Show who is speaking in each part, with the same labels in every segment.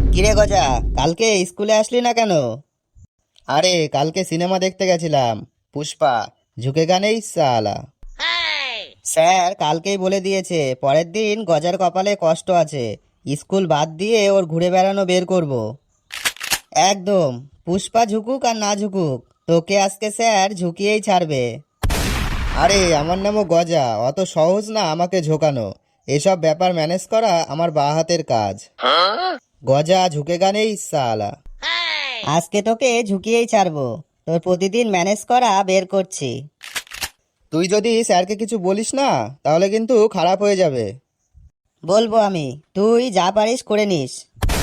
Speaker 1: কিরে গজা, কালকে স্কুলে আসলি না কেন? আরে কালকে সিনেমা দেখতে গেছিলাম, পুষ্পা। ঝুঁকেগা নেই সালা। স্যার কালকেই বলে দিয়েছে পরের দিন গজার কপালে কষ্ট আছে, স্কুল বাদ দিয়ে ওর ঘুরে বেড়ানো বের করব। একদম। পুষ্পা ঝুকুক আর না ঝুকুক, তোকে আজকে স্যার ঝুঁকিয়েই ছাড়বে। আরে আমার নামও গজা, অত সহজ না আমাকে ঝোকানো। এসব ব্যাপার ম্যানেজ করা আমার বাঁ হাতের কাজ। গজা ঝুঁকেগা নেই সালা। আজকে তোকে ঝুঁকিয়েই ছাড়বো, তোর প্রতিদিন ম্যানেজ করা বের করছি। তুই যদি স্যারকে কিছু বলিস না তাহলে কিন্তু খারাপ হয়ে যাবে। বলবো আমি, তুই যা পারিস করে নিস।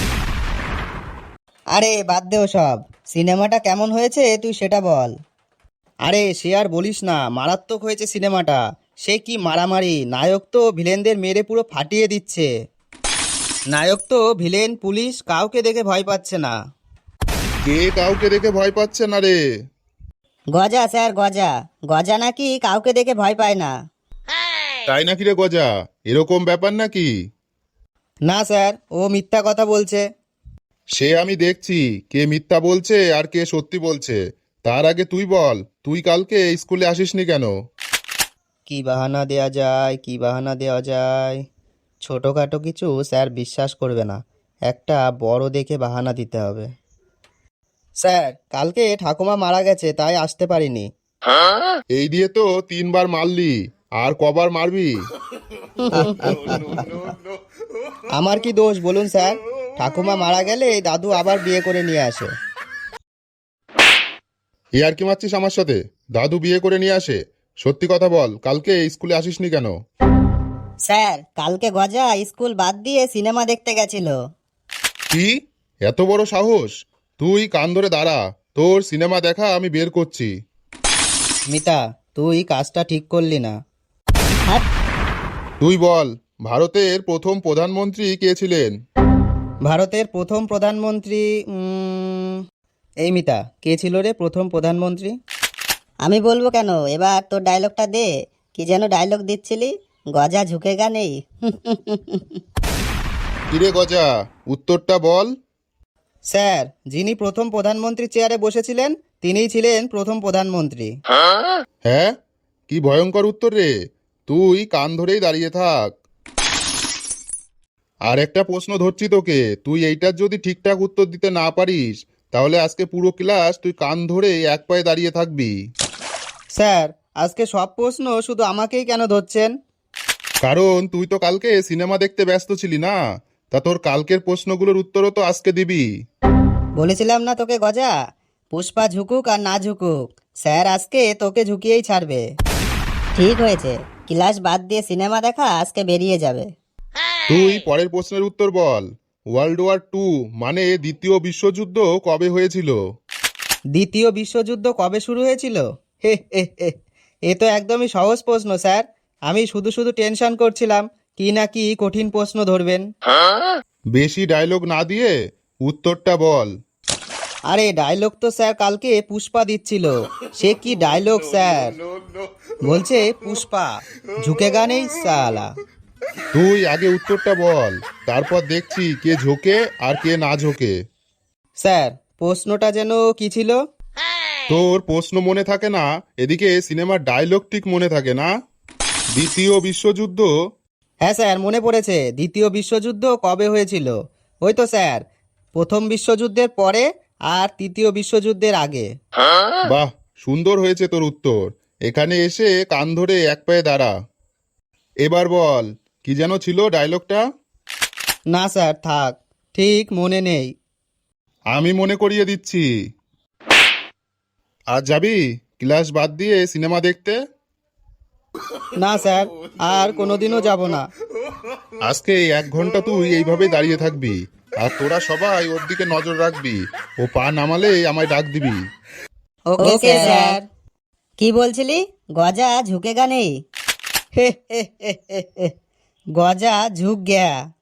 Speaker 1: আরে বাদ দে সব, সিনেমাটা কেমন হয়েছে তুই সেটা বল। আরে সে আর বলিস না, মারাত্মক হয়েছে সিনেমাটা। সে কি মারামারি, নায়ক তো ভিলেনদের মেরে পুরো ফাটিয়ে দিচ্ছে। নায়ক তো ভিলেন পুলিশ কাউকে দেখে ভয় পাচ্ছে না।
Speaker 2: কে কাউকে দেখে ভয় পাচ্ছে না রে?
Speaker 1: গজা স্যার, গজা। গজা নাকি কাউকে দেখে ভয় পায় না।
Speaker 2: তাই নাকি রে গজা? এরকম ব্যাপার নাকি?
Speaker 1: না স্যার, ও মিথ্যা কথা বলছে।
Speaker 2: সে আমি দেখছি কে মিথ্যা বলছে আর কে সত্যি বলছে। তার আগে তুই বল, তুই কালকে স্কুলে আসিসনি কেন?
Speaker 1: কি বাহানা দেয়া যায়, কি বাহানা দেওয়া যায়? ছোটোখাটো কিছু স্যার বিশ্বাস করবে না, একটা বড় দেখে বাহানা দিতে হবে। স্যার কালকে ঠাকুমা মারা গেছে, তাই আসতে পারিনি।
Speaker 2: এই দিয়ে তো 3বার মারলি, আর কবার মারবি?
Speaker 1: আমার কি দোষ বলুন স্যার? ঠাকুমা মারা গেলে দাদু আবার বিয়ে করে নিয়ে আসে।
Speaker 2: এ আর কি মারছিস আমার সাথে? দাদু বিয়ে করে নিয়ে আসে? সত্যি কথা বল, কালকে স্কুলে আসিসনি কেন?
Speaker 1: স্যার কালকে গজা স্কুল বাদ দিয়ে সিনেমা দেখতে গেছিল।
Speaker 2: কি? এত বড় সাহস! তুই কান ধরে দাঁড়া, তোর সিনেমা দেখা আমি বের করছি।
Speaker 1: মিতা, তুই কাজটা ঠিক করলি না। হ্যাঁ,
Speaker 2: তুই বল, ভারতের প্রথম প্রধানমন্ত্রী কে ছিলেন?
Speaker 1: ভারতের প্রথম প্রধানমন্ত্রী এই মিতা, কে ছিল রে প্রথম প্রধানমন্ত্রী? আমি বলবো কেন, এবার তোর ডায়লগটা দে। কি যেন ডায়লগ দিচ্ছিলি? গজা ঝুঁকেগা নেই।
Speaker 2: কিরে গজা, উত্তরটা বল।
Speaker 1: স্যার, যিনি প্রথম প্রধানমন্ত্রী চেয়ারে বসেছিলেন তিনিই ছিলেন প্রথম প্রধানমন্ত্রী।
Speaker 2: হ্যাঁ? কি ভয়ঙ্কর উত্তর রে! তুই কান ধরেই দাঁড়িয়ে থাক। আর একটা প্রশ্ন ধরছি তোকে, তুই এইটার যদি ঠিকঠাক উত্তর দিতে না পারিস তাহলে আজকে পুরো ক্লাস তুই কান ধরে এক পায়ে দাঁড়িয়ে থাকবি।
Speaker 1: স্যার আজকে সব প্রশ্ন শুধু আমাকেই কেন ধরছেন?
Speaker 2: কারণ তুই তো কালকে সিনেমা দেখতে ব্যস্ত ছিলি না। তা তোর কালকের প্রশ্নগুলোর উত্তরও তো আজকে দিবি।
Speaker 1: বলেছিলাম না তোকে গজা, পুষ্পা ঝুকুক আর না ঝুকুক, স্যার আজকে তোকে ঝুঁকিয়েই ছাড়বে। ঠিক হয়েছে, ক্লাস বাদ দিয়ে সিনেমা দেখা আজকে বেরিয়ে যাবে।
Speaker 2: তুই পরের প্রশ্নের উত্তর বল। ওয়ার্ল্ড ওয়ার 2 মানে দ্বিতীয় বিশ্বযুদ্ধ কবে হয়েছিল?
Speaker 1: দ্বিতীয় বিশ্বযুদ্ধ কবে শুরু হয়েছিল? হে হে হে, এ তো একদমই সহজ প্রশ্ন স্যার। আমি শুধু শুধু টেনশন করছিলাম কি না কি কঠিন প্রশ্ন ধরবেন।
Speaker 2: বেশি ডায়লগ না দিয়ে উত্তরটা বল।
Speaker 1: আরে ডায়লগ তো স্যার কালকে পুষ্পা দিচ্ছিল। সে কি ডায়লগ স্যার? বলছে পুষ্পা ঝুঁকেগা নেই সালা।
Speaker 2: তুই আগে উত্তরটা বল, তারপর দেখছি কে ঝোঁকে আর কে না ঝোঁকে।
Speaker 1: স্যার প্রশ্নটা যেন কি ছিল?
Speaker 2: তোর প্রশ্ন মনে থাকে না, এদিকে সিনেমার ডায়লগ ঠিক মনে থাকে না। দ্বিতীয় বিশ্বযুদ্ধ।
Speaker 1: হ্যাঁ স্যার মনে পড়েছে, দ্বিতীয় বিশ্বযুদ্ধ কবে হয়েছিল? ওই তো স্যার, প্রথম বিশ্বযুদ্ধের পরে আর তৃতীয় বিশ্বযুদ্ধের আগে।
Speaker 2: বাহ, সুন্দর হয়েছে তোর উত্তর। এখানে এসে কান ধরে এক পায়ে দাঁড়া। এবার বল, কি যেন ছিল ডায়লগটা?
Speaker 1: না স্যার থাক, ঠিক মনে নেই।
Speaker 2: আমি মনে করিয়ে দিচ্ছি। আজ যাবি ক্লাস বাদ দিয়ে সিনেমা দেখতে?
Speaker 1: না স্যার, আর কোনোদিনও যাব না।
Speaker 2: আজকে 1 ঘন্টা তুই এইভাবে দাঁড়িয়ে থাকবি, আর তোরা সবাই ওর দিকে নজর রাখবি। ও পা নামালে আমায় ডাক দিবি।
Speaker 1: Okay sir. কি বলছিলি? গজা ঝুঁকেগা নেই? হে হে হে হে হে। গজা ঝুঁক গয়া।